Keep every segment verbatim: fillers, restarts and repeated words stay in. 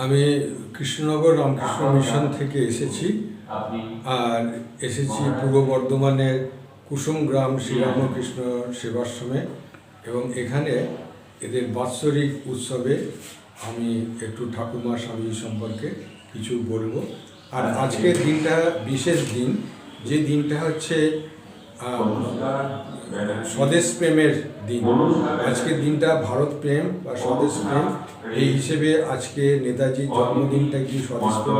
আমি কৃষ্ণনগর রামকৃষ্ণ মিশন থেকে এসেছি আর এসেছি পূর্ব বর্ধমানের কুসুম গ্রাম শ্রীরামকৃষ্ণ সেবাশ্রমে এবং এখানে এদের বাৎসরিক উৎসবে আমি একটু ঠাকুমা স্বামী সম্পর্কে কিছু বলবো। আর আজকের দিনটা বিশেষ দিন, যে দিনটা হচ্ছে স্বদেশ প্রেমের দিন। আজকের দিনটা ভারত প্রেম বা স্বদেশ প্রেম এই হিসেবে আজকে নেতাজির জন্মদিনটাকে স্বদেশ প্রেম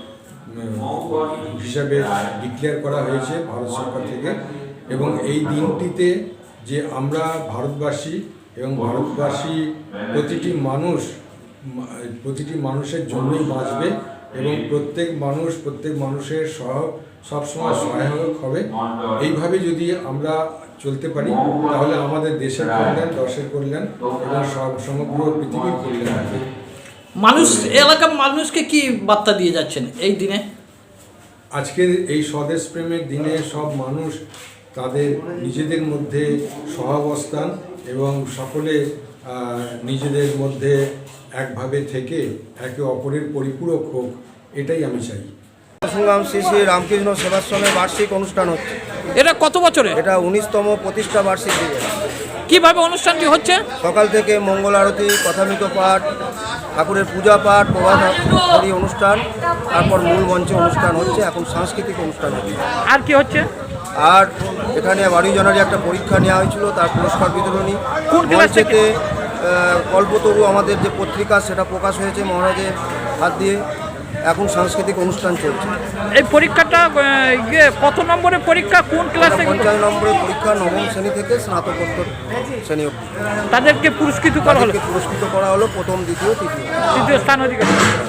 হিসাবে ডিক্লেয়ার করা হয়েছে ভারত সরকার থেকে। এবং এই দিনটিতে যে আমরা ভারতবাসী এবং ভারতবাসী প্রতিটি মানুষ প্রতিটি মানুষের জন্যই বাঁচবে এবং প্রত্যেক মানুষ প্রত্যেক মানুষের সহ সবসময় সহায়ক হবে। এইভাবে যদি আমরা চলতে পারি তাহলে আমাদের দেশের কল্যাণ, দশের কল্যাণ এবং সমগ্র পৃথিবীর কল্যাণ হবে। মানুষ এলাকার মানুষকে কি বার্তা দিয়ে যাচ্ছেন এই দিনে? আজকের এই স্বদেশ প্রেমের দিনে সব মানুষ তাদের নিজেদের মধ্যে সহাবস্থান এবং সকলে নিজেদের মধ্যে একভাবে থেকে একে অপরের পরিপূরক হোক, এটাই আমি চাই। সংগ্রাম শ্রী শ্রী রামকৃষ্ণ সেবাশ্রমের বার্ষিক অনুষ্ঠান হচ্ছে। এটা কত বছরে? এটা উনিশতম প্রতিষ্ঠা বার্ষিকী। কিভাবে অনুষ্ঠানটি হচ্ছে? সকাল থেকে মঙ্গল আরতি, কথামৃত পাঠ, ঠাকুরের পূজা পাঠ, প্রভাতী অনুষ্ঠান, তারপর মূল মঞ্চে অনুষ্ঠান হচ্ছে। এখন সাংস্কৃতিক অনুষ্ঠান হচ্ছে। আর কি হচ্ছে? আর এখানে বারোই জানুয়ারি একটা পরীক্ষা নেওয়া হয়েছিল, তার পুরস্কার বিতরণী। মঞ্চেতে কল্পতরু আমাদের যে পত্রিকা সেটা প্রকাশ হয়েছে মহারাজের হাত দিয়ে। এখন সাংস্কৃতিক অনুষ্ঠান চলছে। এই পরীক্ষাটা কত নম্বরের পরীক্ষা? কোন ক্লাসে? পঞ্চাশ নম্বরের পরীক্ষা, নবম শ্রেণী থেকে স্নাতকোত্তর শ্রেণী অবধি। তাদেরকে পুরস্কৃত করা হলো পুরস্কৃত করা হলো প্রথম, দ্বিতীয়, তৃতীয় তৃতীয় স্থান অধিকার।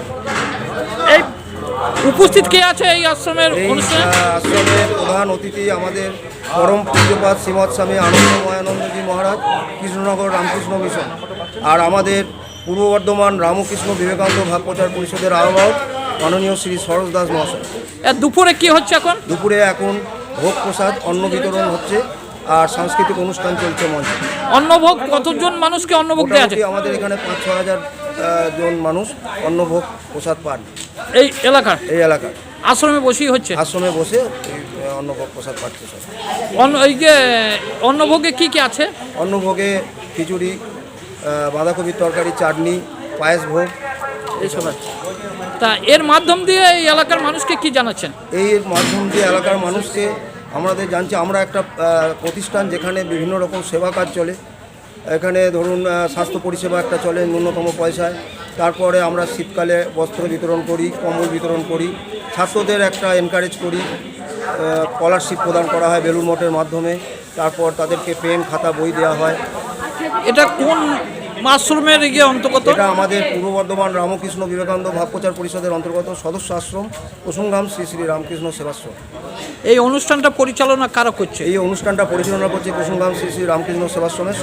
এই উপস্থিত কে আছে এই আশ্রমের অনুষ্ঠানে? আশ্রমের প্রধান অতিথি আমাদের পরম পূজ্যপাদ শ্রীমৎ স্বামী আনন্দময়ানন্দজি মহারাজ, কৃষ্ণনগর রামকৃষ্ণ মিশন। আর আমাদের পূর্ব বর্ধমান রামকৃষ্ণ বিবেকানন্দ ভাব প্রচার পরিষদের আহ্বায়ক মাননীয় শ্রী সরোজ দাস মহাশয়। দুপুরে কি হচ্ছে এখন? দুপুরে এখন ভোগ প্রসাদ অন্ন বিতরণ হচ্ছে আর সাংস্কৃতিক অনুষ্ঠান চলছে মঞ্চে। অন্নভোগ কতজন মানুষকে অন্নভোগ দেওয়া আছে? আমাদের এখানে পাঁচ ছ হাজার জন মানুষ অন্নভোগ প্রসাদ পান এই এলাকার এই এলাকার আশ্রমে বসেই হচ্ছে। আশ্রমে বসে অন্নভোগ প্রসাদ পাচ্ছে সব। অন্ন এই যে অন্নভোগে কি কি আছে? অন্নভোগে খিচুড়ি, বাঁধাকপির তরকারি, চাটনি, পায়েস ভোগ এইসব আছে। তা এর মাধ্যম দিয়ে এই এলাকার মানুষকে কি জানাচ্ছেন? এই মাধ্যম দিয়ে এলাকার মানুষকে আমাদের জানছি আমরা একটা প্রতিষ্ঠান যেখানে বিভিন্ন রকম সেবা কাজ চলে। এখানে ধরুন স্বাস্থ্য পরিষেবা একটা চলে ন্যূনতম পয়সায়। তারপরে আমরা শীতকালে বস্ত্র বিতরণ করি, কম্বল বিতরণ করি, ছাত্রদের একটা এনকারেজ করি, স্কলারশিপ প্রদান করা হয় বেলুড় মঠের মাধ্যমে। তারপর তাদেরকে পেন, খাতা, বই দেওয়া হয়। এটা কোন আশ্রমের গিয়ে অন্তর্গত? এটা আমাদের পূর্ব বর্ধমান রামকৃষ্ণ বিবেকানন্দ ভাব প্রচার পরিষদের অন্তর্গত সদস্য আশ্রম কুসুমগ্রাম শ্রী শ্রী রামকৃষ্ণ সেবাশ্রম। এই অনুষ্ঠানটা পরিচালনা কারা করছে? এই অনুষ্ঠানটা পরিচালনা করছে কুসুমগ্রাম শ্রী শ্রী রামকৃষ্ণ সেবাশ্রমের।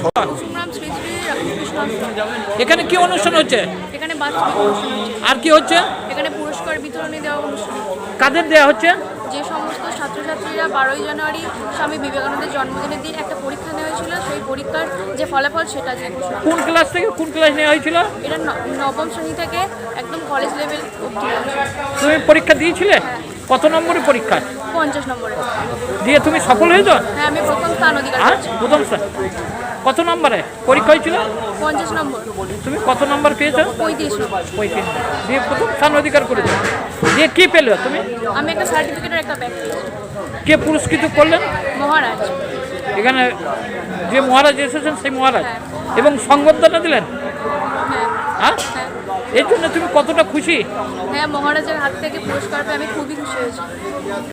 এখানে কি অনুষ্ঠান হচ্ছে? এখানে বাৎসরিক অনুষ্ঠান হচ্ছে। আর কি হচ্ছে? এখানে পুরস্কার বিতরণী দেওয়া অনুষ্ঠান। কাদের দেওয়া হচ্ছে? যে সমস্ত ছাত্রছাত্রীরা বারোই জানুয়ারি স্বামী বিবেকানন্দের জন্মদিনের দিন একটা পরীক্ষা নেওয়া হয়েছিল, সেই পরীক্ষার যে ফলাফল সেটা যে ঘোষণা। কোন ক্লাস থেকে কোন ক্লাস নেওয়া হয়েছিল? এটা নবম শ্রেণী থেকে একদম কলেজ লেভেল অবধি। তুমি পরীক্ষা দিয়েছিলে? কত নম্বরের পরীক্ষা? পঞ্চাশ নম্বরে। দিয়ে তুমি সফল হয়েছ? হ্যাঁ, আমি প্রথম স্থান অধিকার করেছি। প্রথম স্থান। কত নম্বরে পরীক্ষা হয়েছিল? পঞ্চাশ নম্বর। তুমি কত নম্বর পেয়েছো? পঁয়ত্রিশ নম্বর। পঁয়ত্রিশ। দিয়ে প্রথম স্থান অধিকার করেছো। দিয়ে কি পেলে তুমি? আমি একটা সার্টিফিকেটের একটা ব্যাগ পেয়েছি। কে পুরস্কৃত করলেন? মহারাজ। এখানে যে মহারাজ এসেছেন সেই মহারাজ এবং সংবর্ধনা দিলেন। হ্যাঁ। হ্যাঁ, এই জন্য তুমি কতটা খুশি? হ্যাঁ, মহারাজের হাত থেকে পুরস্কার পেয়ে আমি খুবই খুশি হয়েছি।